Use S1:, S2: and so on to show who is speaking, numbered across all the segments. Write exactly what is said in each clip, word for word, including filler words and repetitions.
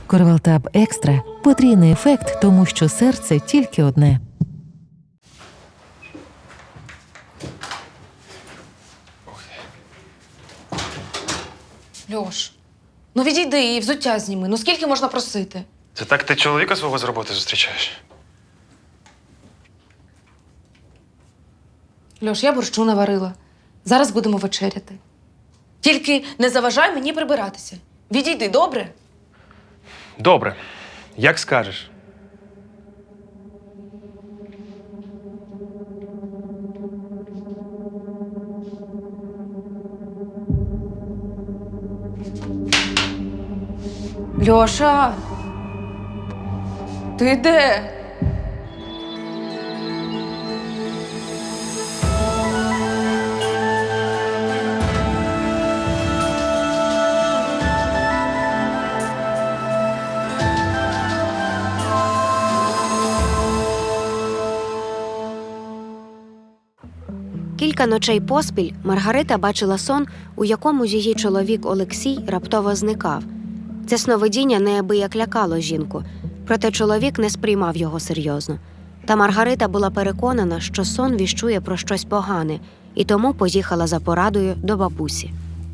S1: Корвалтаб Екстра – потрійний ефект, тому що серце тільки одне.
S2: Льош, ну відійди і взуття зніми. Ну скільки можна просити?
S3: Це так ти чоловіка свого з роботи зустрічаєш?
S2: Льош, я борщу наварила. Зараз будемо вечеряти. Тільки не заважай мені прибиратися. Відійди, добре?
S3: Добре. Як скажеш.
S2: Льоша! Ти де?
S4: Кілька ночей поспіль Маргарита бачила сон, у якому її чоловік Олексій раптово зникав. Це сновидіння неабияк лякало жінку, проте чоловік не сприймав його серйозно. Та Маргарита була переконана, що сон віщує про щось погане, і тому поїхала за порадою до бабусі.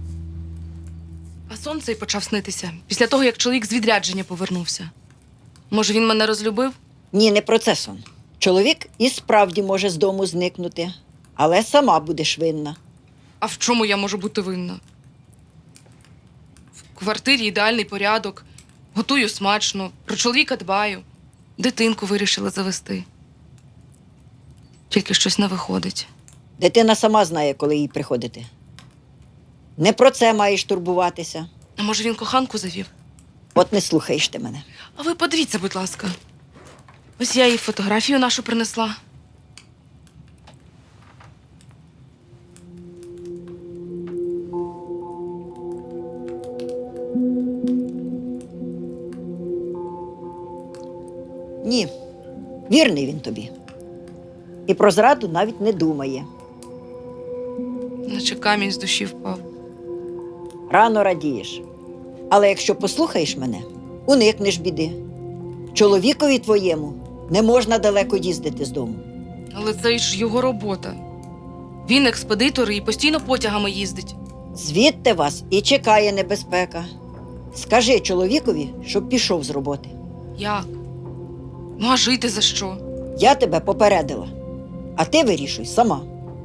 S2: А сон цей почав снитися після того, як чоловік з відрядження повернувся. Може, він мене розлюбив?
S5: Ні, не про це сон. Чоловік і справді може з дому зникнути, але сама будеш винна.
S2: А в чому я можу бути винна? В квартирі ідеальний порядок, готую смачно, про чоловіка дбаю, дитинку вирішила завести. Тільки щось не виходить.
S5: Дитина сама знає, коли їй приходити. Не про це маєш турбуватися.
S2: А може, він коханку завів?
S5: От не слухаєш ти мене.
S2: А ви подивіться, будь ласка. Ось я їй фотографію нашу принесла.
S5: Ні, вірний він тобі. І про зраду навіть не думає.
S2: Наче камінь з душі впав.
S5: Рано радієш. Але якщо послухаєш мене, уникнеш біди. Чоловікові твоєму не можна далеко їздити з дому.
S2: Але це ж його робота. Він експедитор і постійно потягами їздить.
S5: Звідти вас і чекає небезпека. Скажи чоловікові, щоб пішов з роботи.
S2: Як? Ну, а жити за що?
S5: Я тебе попередила, а ти вирішуй сама.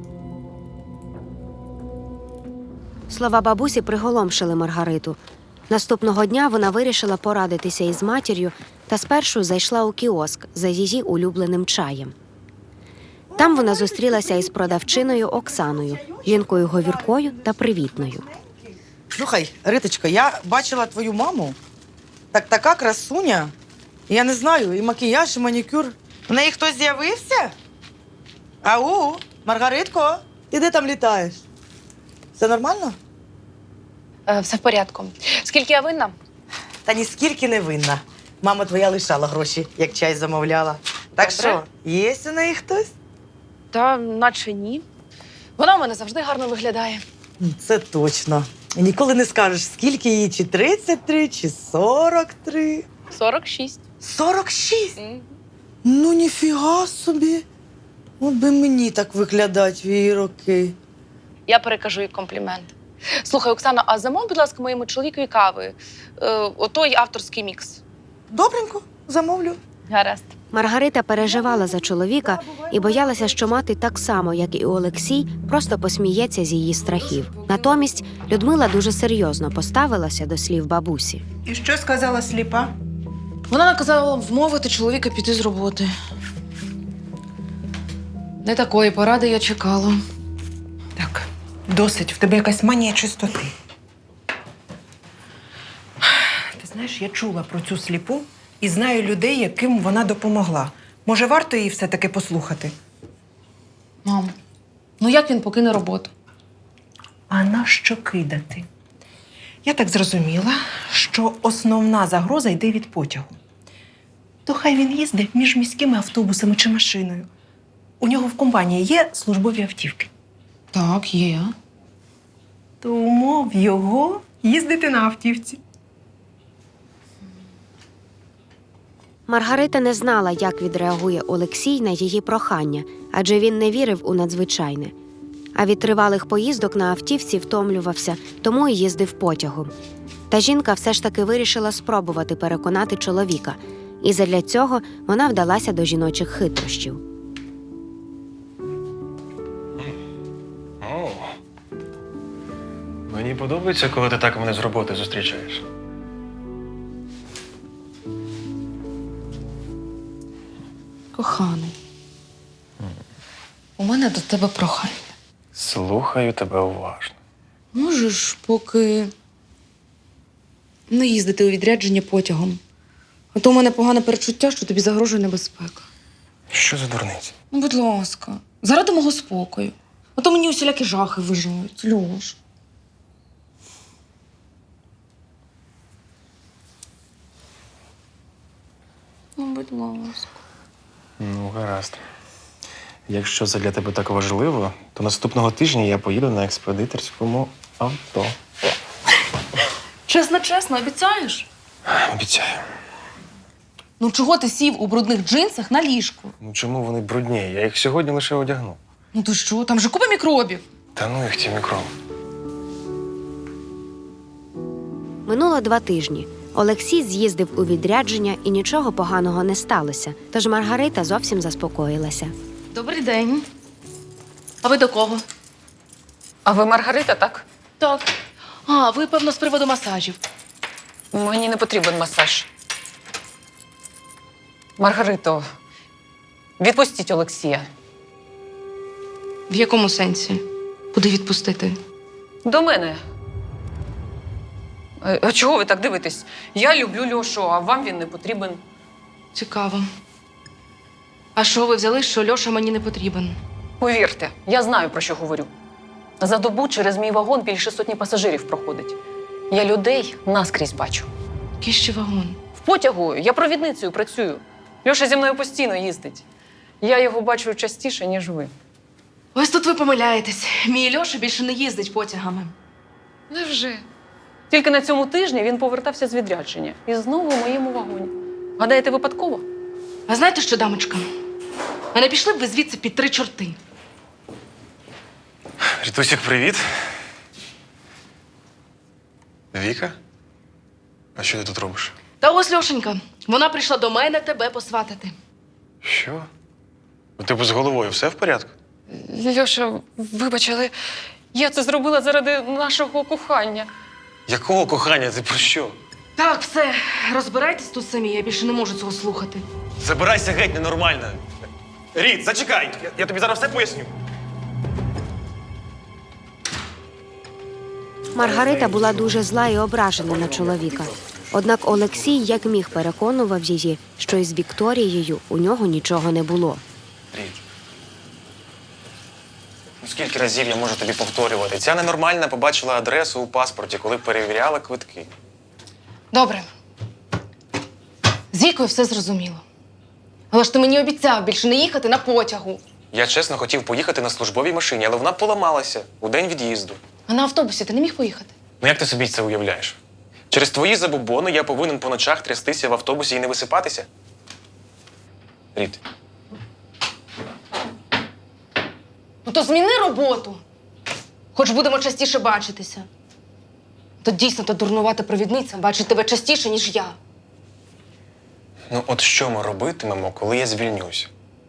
S4: Слова бабусі приголомшили Маргариту. Наступного дня вона вирішила порадитися із матір'ю та спершу зайшла у кіоск за її улюбленим чаєм. Там вона зустрілася із продавчиною Оксаною, жінкою говіркою та привітною.
S6: Слухай, Риточко, я бачила твою маму. Так така красуня. Я не знаю, і макіяж, і манікюр. В неї хтось з'явився? Ау, Маргаритко, ти де там літаєш? Все нормально?
S2: Е, все в порядку. Скільки я винна?
S6: Та ніскільки не винна. Мама твоя лишала гроші, як чай замовляла. Так
S2: Добре.
S6: що, є у неї хтось?
S2: Та наче ні. Вона в мене завжди гарно виглядає.
S6: Це точно. І ніколи не скажеш, скільки їй, чи тридцять три, чи сорок три.
S2: сорок шість.
S6: сорок шість? Ну, ніфіга собі. От би мені так виглядать в її роки.
S2: Я перекажу їй комплімент. Слухай, Оксана, а замов, будь ласка, моєму чоловікові кави. Е, отой авторський мікс.
S6: Добренько, замовлю.
S2: Гаразд.
S4: Маргарита переживала за чоловіка і боялася, що мати так само, як і Олексій, просто посміється з її страхів. Натомість Людмила дуже серйозно поставилася до слів бабусі.
S7: І що сказала сліпа?
S2: Вона наказала вмовити чоловіка піти з роботи. Не такої поради я чекала.
S7: Так, досить, в тебе якась манія чистоти. Ти знаєш, я чула про цю сліпу і знаю людей, яким вона допомогла. Може, варто її все-таки послухати?
S2: Мам, ну як він покине роботу?
S7: А на що кидати? Я так зрозуміла, що основна загроза йде від потягу. То хай він їздить між міськими автобусами чи машиною. У нього в компанії є службові автівки.
S2: Так, є.
S7: То умов його їздити на автівці.
S4: Маргарита не знала, як відреагує Олексій на її прохання, адже він не вірив у надзвичайне. А від тривалих поїздок на автівці втомлювався, тому і їздив потягом. Та жінка все ж таки вирішила спробувати переконати чоловіка, і задля цього вона вдалася до жіночих хитрощів.
S3: О. Мені подобається, коли ти так мене з роботи зустрічаєш.
S2: Коханий, у мене до тебе прохання.
S3: Слухаю тебе уважно.
S2: Можеш поки не їздити у відрядження потягом. А то у мене погане перечуття, що тобі загрожує небезпека.
S3: Що за дурниці?
S2: Ну, будь ласка, заради мого спокою. А то мені усілякі жахи виживають. Льош. Ну, будь ласка.
S3: Ну, гаразд. Якщо це для тебе так важливо, то наступного тижня я поїду на експедиторському авто.
S2: Чесно, чесно, обіцяєш?
S3: Обіцяю.
S2: Ну чого ти сів у брудних джинсах на ліжку?
S3: Ну чому вони брудні? Я їх сьогодні лише одягну.
S2: Ну то що, там же купа мікробів.
S3: Та ну їх ті мікроби.
S4: Минуло два тижні. Олексій з'їздив у відрядження і нічого поганого не сталося, тож Маргарита зовсім заспокоїлася.
S2: Добрий день. А ви до кого?
S8: А ви Маргарита, так?
S2: Так. А, ви, певно, з приводу масажів.
S8: Мені не потрібен масаж. Маргарито, відпустіть Олексія.
S2: В якому сенсі? Куди відпустити?
S8: До мене. Е, А чого ви так дивитесь? Я люблю Льошу, а вам він не потрібен.
S2: Цікаво. А що ви взяли, що Льоша мені не потрібен?
S8: Повірте, я знаю, про що говорю. За добу через мій вагон більше сотні пасажирів проходить. Я людей наскрізь бачу.
S2: Який ще вагон?
S8: В потягу я провідницею працюю. Льоша зі мною постійно їздить. Я його бачу частіше, ніж ви.
S2: Ось тут ви помиляєтесь. Мій Льоша більше не їздить потягами.
S8: Невже? Тільки на цьому тижні він повертався з відрядження. І знову в моєму вагоні. Гадаєте, випадково?
S2: А знаєте що, дамочка? А не пішли б ви звідси під три чорти.
S3: Рітусік, привіт. Віка? А що ти тут робиш?
S2: Та ось Льошенька, вона прийшла до мене тебе посватати.
S3: Що? У тебе з головою все в порядку?
S8: Льоша, вибач, але я це зробила заради нашого кохання.
S3: Якого кохання? Ти про що?
S2: Так, все, розбирайтесь тут самі, я більше не можу цього слухати.
S3: Забирайся геть, ненормально. Ріт, зачекай! Я, я тобі зараз все поясню.
S4: Маргарита була дуже зла і ображена на чоловіка. Однак Олексій як міг переконував її, що із Вікторією у нього нічого не було.
S3: Ріт. Ну скільки разів я можу тобі повторювати? Ця ненормальна побачила адресу у паспорті, коли перевіряла квитки.
S2: Добре. З Вікою все зрозуміло. Але ж ти мені обіцяв більше не їхати на потягу.
S3: Я чесно хотів поїхати на службовій машині, але вона поламалася у день від'їзду.
S2: А на автобусі ти не міг поїхати?
S3: Ну як ти собі це уявляєш? Через твої забобони я повинен по ночах трястися в автобусі і не висипатися? Ріт.
S2: Ну то зміни роботу. Хоч будемо частіше бачитися. То дійсно та дурнувата провідниця бачить тебе частіше, ніж я.
S3: Ну от що ми робитимемо, коли я звільнюсь?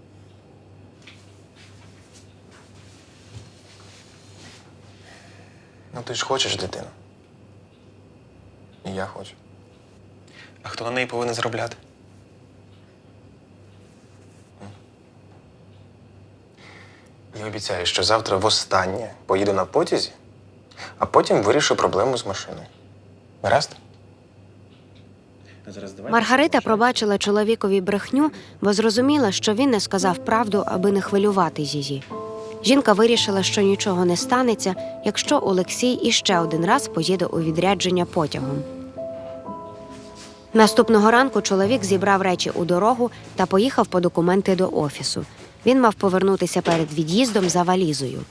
S3: Ну ти ж хочеш дитину. І я хочу. А хто на неї повинен заробляти? М? Я обіцяю, що завтра востаннє поїду на потязі, а потім вирішу проблему з машиною. Гаразд?
S4: Маргарита пробачила чоловікові брехню, бо зрозуміла, що він не сказав правду, аби не хвилювати її. Жінка вирішила, що нічого не станеться, якщо Олексій іще один раз поїде у відрядження потягом. Наступного ранку чоловік зібрав речі у дорогу та поїхав по документи до офісу. Він мав повернутися перед від'їздом за валізою.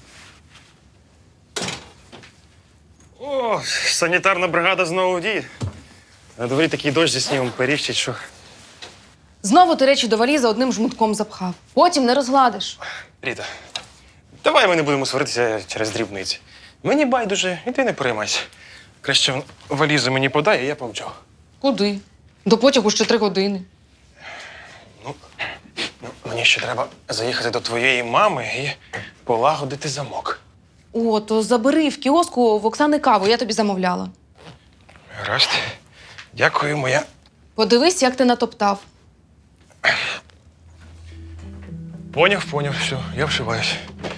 S3: О, санітарна бригада знову в дії. На дворі такий дощ зі снігом періщить, що
S2: Знову ти речі до валізи одним жмутком запхав. Потім не розгладиш.
S3: Ріта, давай ми не будемо сваритися через дрібниці. Мені байдуже, і ти не переймайся. Краще валізу мені подай, а я помчу.
S2: Куди? До потягу ще три години.
S3: Ну, ну, мені ще треба заїхати до твоєї мами і полагодити замок.
S2: О, то забери в кіоску в Оксани каву, я тобі замовляла.
S3: Гаразд. Дякую, моя.
S2: Подивись, як ти натоптав.
S3: Поняв, поняв, все, я вшиваюсь.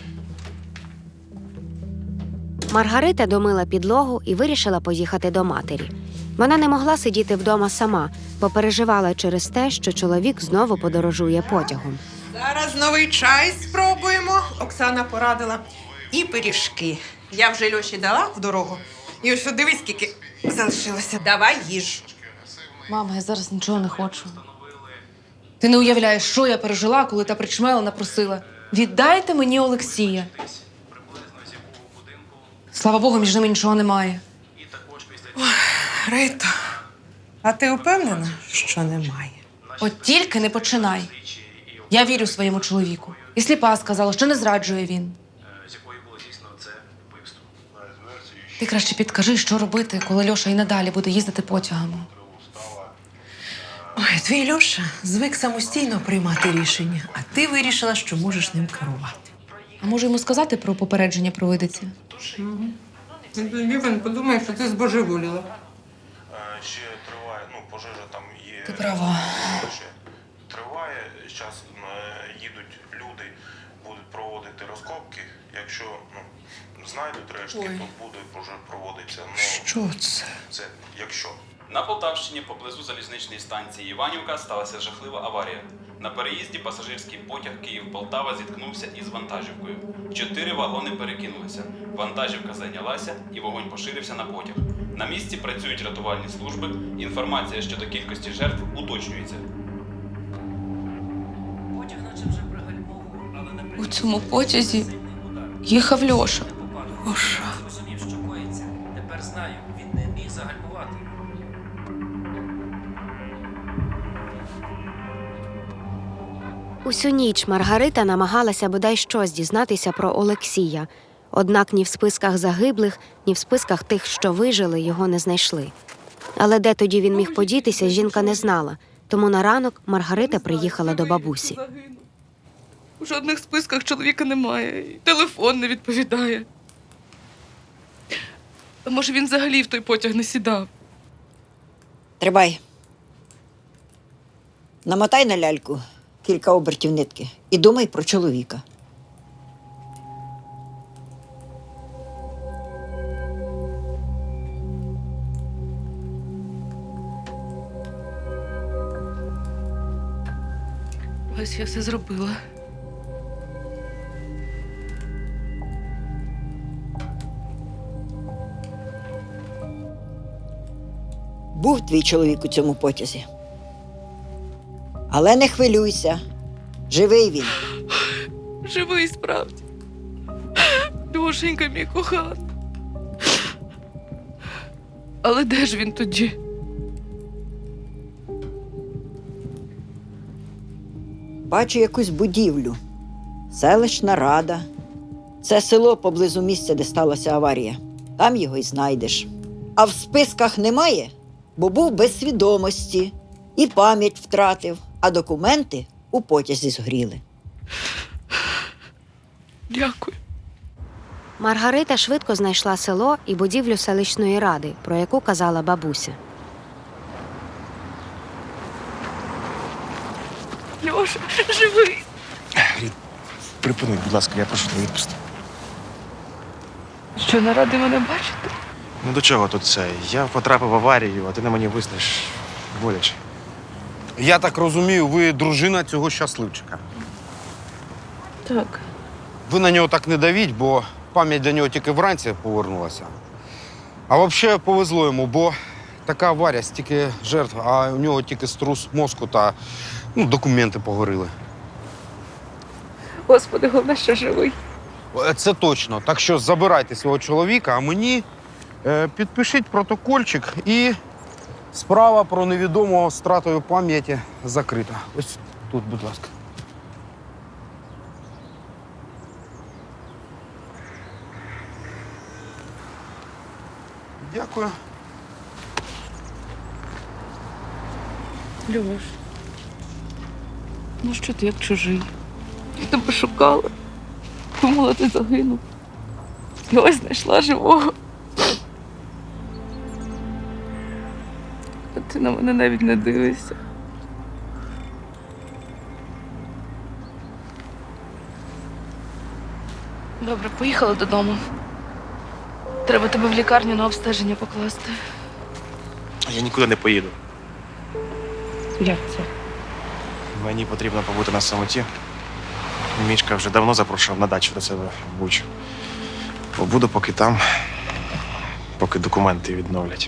S4: Маргарита домила підлогу і вирішила поїхати до матері. Вона не могла сидіти вдома сама, бо переживала через те, що чоловік знову подорожує потягом.
S7: Зараз новий чай спробуємо. Оксана порадила. І пиріжки. Я вже Льоші дала в дорогу. І ось дивись, скільки залишилося. Давай їж.
S2: Мама, я зараз нічого не хочу. Ти не уявляєш, що я пережила, коли та причмела напросила. Віддайте мені Олексія. Слава Богу, між ними нічого немає.
S7: Рито, а ти впевнена, що немає?
S2: От тільки не починай. Я вірю своєму чоловіку. І сліпа сказала, що не зраджує він. Ти краще підкажи, що робити, коли Льоша і надалі буде їздити потягами.
S7: Ой, твій Льоша звик самостійно приймати рішення, а ти вирішила, що можеш ним керувати.
S2: А може йому сказати про попередження провидиці?
S7: Він подумає, що ти збожеволіла.
S3: Ще триває, ну, пожежа там є.
S2: Ти права.
S3: Ще триває, зараз їдуть люди, будуть проводити розкопки. Якщо ну, знайдуть рештки,
S7: Ой.
S3: то буде вже проводитися. Ну,
S7: Що це?
S3: це якщо.
S9: На Полтавщині поблизу залізничної станції Іванівка сталася жахлива аварія. На переїзді пасажирський потяг Київ-Полтава зіткнувся із вантажівкою. Чотири вагони перекинулися. Вантажівка зайнялася і вогонь поширився на потяг. На місці працюють рятувальні служби. Інформація щодо кількості жертв уточнюється.
S2: У цьому потязі їхав Льоша.
S7: Льоша.
S10: Зрозумів, що коїться. Тепер знаю, він не міг загальмувати.
S4: Усю ніч Маргарита намагалася бодай щось дізнатися про Олексія. Однак ні в списках загиблих, ні в списках тих, що вижили, його не знайшли. Але де тоді він міг подітися, жінка не знала. Тому на ранок Маргарита приїхала до бабусі.
S2: У жодних списках чоловіка немає, і телефон не відповідає. А може, він взагалі в той потяг не сідав?
S5: Тримай. Намотай на ляльку кілька обертів нитки і думай про чоловіка.
S2: Ось я все зробила.
S5: Був твій чоловік у цьому потязі. Але не хвилюйся. Живий він.
S2: Живий справді. Душенька мій коханий. Але де ж він тоді?
S5: Бачу якусь будівлю. Селищна рада. Це село поблизу місця, де сталася аварія. Там його й знайдеш. А в списках немає, бо був без свідомості. І пам'ять втратив, а документи у потязі згоріли.
S2: Дякую.
S4: Маргарита швидко знайшла село і будівлю селищної ради, про яку казала бабуся.
S2: Льоша, живий.
S3: Рід, припини, будь ласка, я прошу тебе відпусти.
S2: Що, не радий мене бачити?
S3: Ну до чого тут це? Я потрапив в аварію, а ти на мені виснеш боляче.
S11: Я так розумію, ви дружина цього щасливчика.
S2: Так.
S11: Ви на нього так не давіть, бо пам'ять до нього тільки вранці повернулася. А взагалі повезло йому, бо така аварія, стільки жертв, а у нього тільки струс мозку та ну, документи погоріли.
S2: Господи, головне, що живий.
S11: Це точно. Так що забирайте свого чоловіка, а мені е, підпишіть протокольчик і Справа про невідомого з втратою пам'яті закрита. Ось тут, будь ласка. Дякую.
S2: Льош, ну що ти як чужий? Я тебе шукала. Думала, ти загинув. І ось знайшла живого. А ти на мене навіть не дивишся. Добре, поїхали додому. Треба тебе в лікарню на обстеження покласти.
S3: Я нікуди не поїду.
S2: Як це?
S3: Мені потрібно побути на самоті. Мішка вже давно запрошував на дачу до себе в Бучу. Побуду поки там, поки документи відновлять.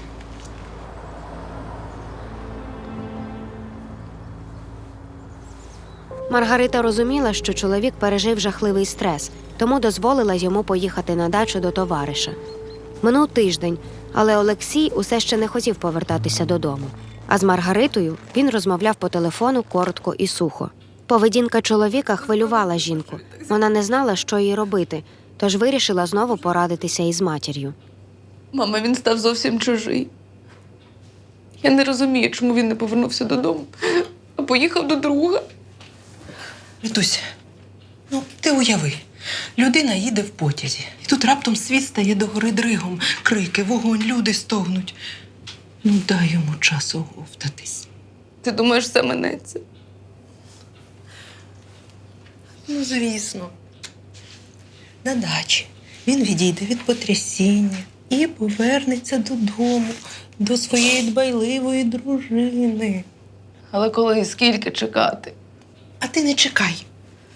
S4: Маргарита розуміла, що чоловік пережив жахливий стрес, тому дозволила йому поїхати на дачу до товариша. Минув тиждень, але Олексій усе ще не хотів повертатися додому. А з Маргаритою він розмовляв по телефону коротко і сухо. Поведінка чоловіка хвилювала жінку. Вона не знала, що їй робити, тож вирішила знову порадитися із матір'ю.
S2: Мама, він став зовсім чужий. Я не розумію, чому він не повернувся додому, а поїхав до друга.
S7: Ритусь, ну ти уяви, людина їде в потязі. І тут раптом світ стає догори дригом. Крики, вогонь, люди стогнуть. Ну дай йому часу оговтатись.
S2: Ти думаєш, все минеться?
S7: Ну, звісно. На дачі він відійде від потрясіння і повернеться додому, до своєї дбайливої дружини.
S2: Але коли і скільки чекати?
S7: А ти не чекай.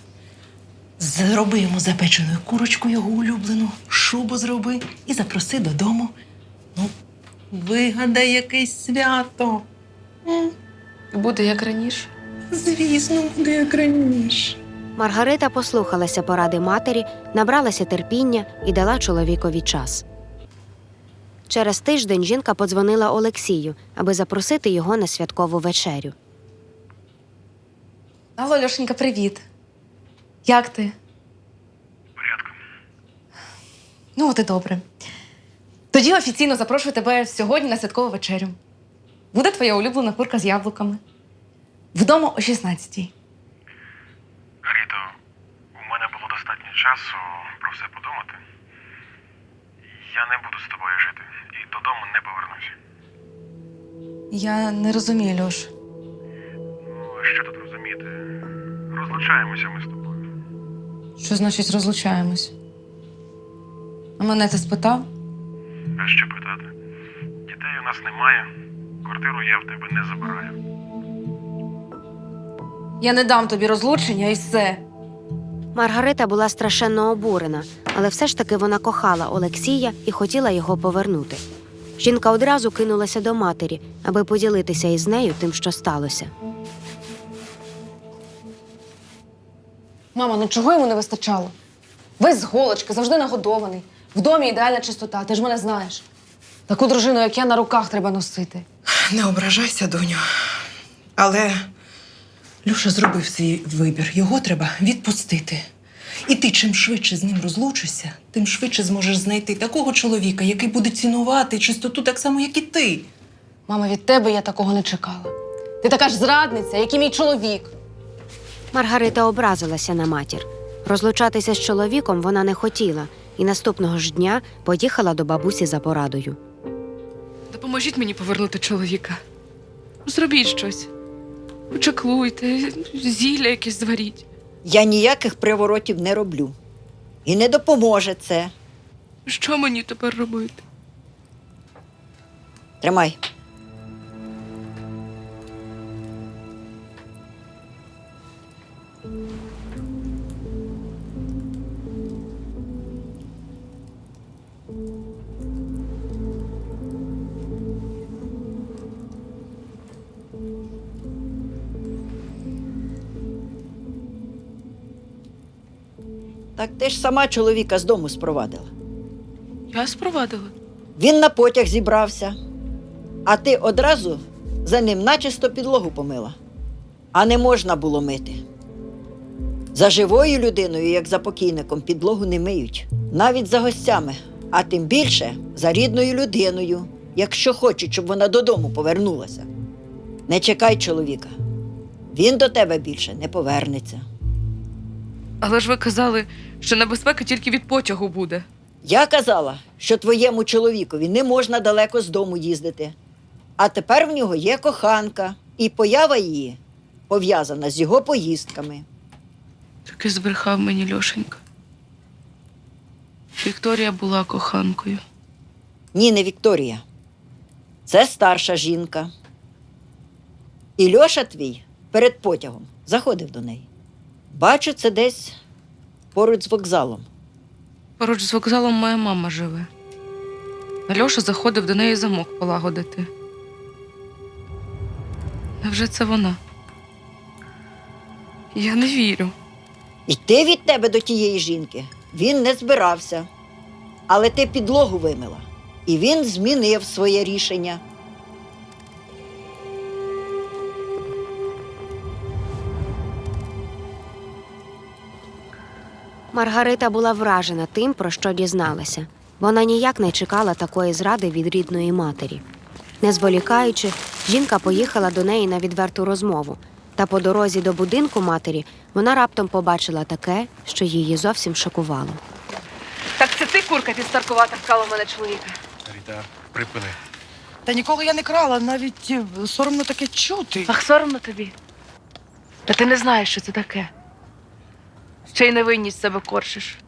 S7: Зроби йому запечену курочку його улюблену, шубу зроби і запроси додому. Ну, вигадай якесь свято. М,
S2: Буде як раніше.
S7: Звісно, буде як раніше.
S4: Маргарита послухалася поради матері, набралася терпіння і дала чоловікові час. Через тиждень жінка подзвонила Олексію, аби запросити його на святкову вечерю.
S2: Алло, Льошенька, привіт. Як ти?
S3: Порядку.
S2: Ну, от і добре. Тоді офіційно запрошую тебе сьогодні на святкову вечерю. Буде твоя улюблена курка з яблуками. Вдома о шістнадцятій.
S3: Ріто, у мене було достатньо часу про все подумати. Я не буду з тобою жити і додому не повернусь.
S2: Я не розумію, Льош.
S3: Ну, що тут розуміти? Розлучаємося ми з тобою.
S2: Що значить розлучаємось? А мене ти спитав?
S3: А що питати? Дітей у нас немає. Квартиру я в тебе не забираю.
S2: Я не дам тобі розлучення і все.
S4: Маргарита була страшенно обурена, але все ж таки вона кохала Олексія і хотіла його повернути. Жінка одразу кинулася до матері, аби поділитися із нею тим, що сталося.
S2: Мама, ну чого йому не вистачало? Весь з голочки, завжди нагодований. В домі ідеальна чистота, ти ж мене знаєш. Таку дружину, як я, на руках треба носити.
S7: Не ображайся, доню. Але Люша зробив свій вибір. Його треба відпустити. І ти чим швидше з ним розлучишся, тим швидше зможеш знайти такого чоловіка, який буде цінувати чистоту так само, як і ти.
S2: Мама, від тебе я такого не чекала. Ти така ж зрадниця, як і мій чоловік.
S4: Маргарита образилася на матір. Розлучатися з чоловіком вона не хотіла і наступного ж дня поїхала до бабусі за порадою.
S2: Допоможіть мені повернути чоловіка. Зробіть щось. Почаклуйте, зілля якесь зваріть.
S5: Я ніяких приворотів не роблю. І не допоможе це.
S2: Що мені тепер робити?
S5: Тримай. Так ти ж сама чоловіка з дому спровадила.
S2: Я спровадила.
S5: Він на потяг зібрався. А ти одразу за ним начисто підлогу помила. А не можна було мити. За живою людиною, як за покійником, підлогу не миють. Навіть за гостями, а тим більше за рідною людиною, якщо хочуть, щоб вона додому повернулася. Не чекай чоловіка. Він до тебе більше не повернеться.
S2: Але ж ви казали, що небезпека тільки від потягу буде.
S5: Я казала, що твоєму чоловікові не можна далеко з дому їздити. А тепер в нього є коханка, і поява її пов'язана з його поїздками.
S2: Таки збрехав мені Льошенька. Вікторія була коханкою.
S5: Ні, не Вікторія. Це старша жінка. І Льоша твій перед потягом заходив до неї. Бачу, це десь поруч з вокзалом.
S2: Поруч з вокзалом моя мама живе. А Льоша заходив до неї замок полагодити. Невже це вона? Я не вірю.
S5: Йти від тебе до тієї жінки він не збирався. Але ти підлогу вимила. І він змінив своє рішення.
S4: Маргарита була вражена тим, про що дізналася. Вона ніяк не чекала такої зради від рідної матері. Не зволікаючи, жінка поїхала до неї на відверту розмову. Та по дорозі до будинку матері вона раптом побачила таке, що її зовсім шокувало.
S2: Так це ти, курка підстаркувата, вкрала в мене чоловіка.
S3: Ріта, припини.
S6: Та нікого я не крала, навіть е, соромно таке чути.
S2: Ах, соромно тобі. Та ти не знаєш, що це таке. Ще й невинність себе коршиш.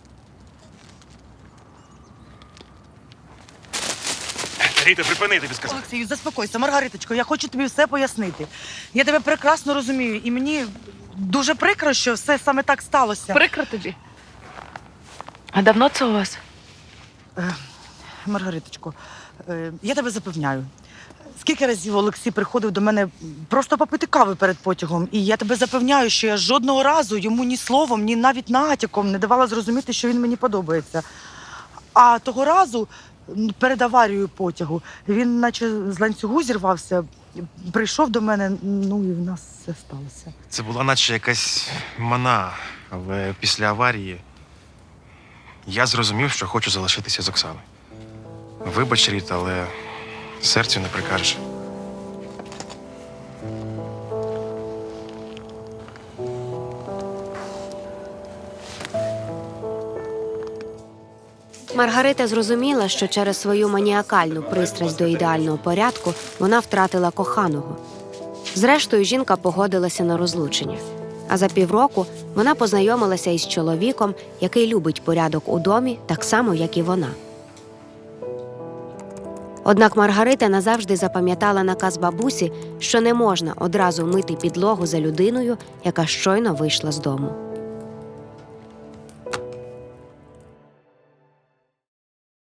S3: Ріта, припини, тобі сказав.
S6: Олексію, заспокойся, Маргариточко, я хочу тобі все пояснити. Я тебе прекрасно розумію, і мені дуже прикро, що все саме так сталося.
S2: Прикро тобі. А давно це у вас?
S6: Е, Маргариточко, е, я тебе запевняю. Скільки разів Олексій приходив до мене просто попити кави перед потягом, і я тебе запевняю, що я жодного разу йому ні словом, ні навіть натяком не давала зрозуміти, що він мені подобається. А того разу, м, перед аварією потягу, він наче з ланцюгу зірвався, прийшов до мене, ну і в нас все сталося.
S3: Це була наче якась мана, але після аварії я зрозумів, що хочу залишитися з Оксаною. Вибач, Ріта, але серцю не прикажеш.
S4: Маргарита зрозуміла, що через свою маніакальну пристрасть до ідеального порядку вона втратила коханого. Зрештою, жінка погодилася на розлучення. А за півроку вона познайомилася із чоловіком, який любить порядок у домі так само, як і вона. Однак Маргарита назавжди запам'ятала наказ бабусі, що не можна одразу мити підлогу за людиною, яка щойно вийшла з дому.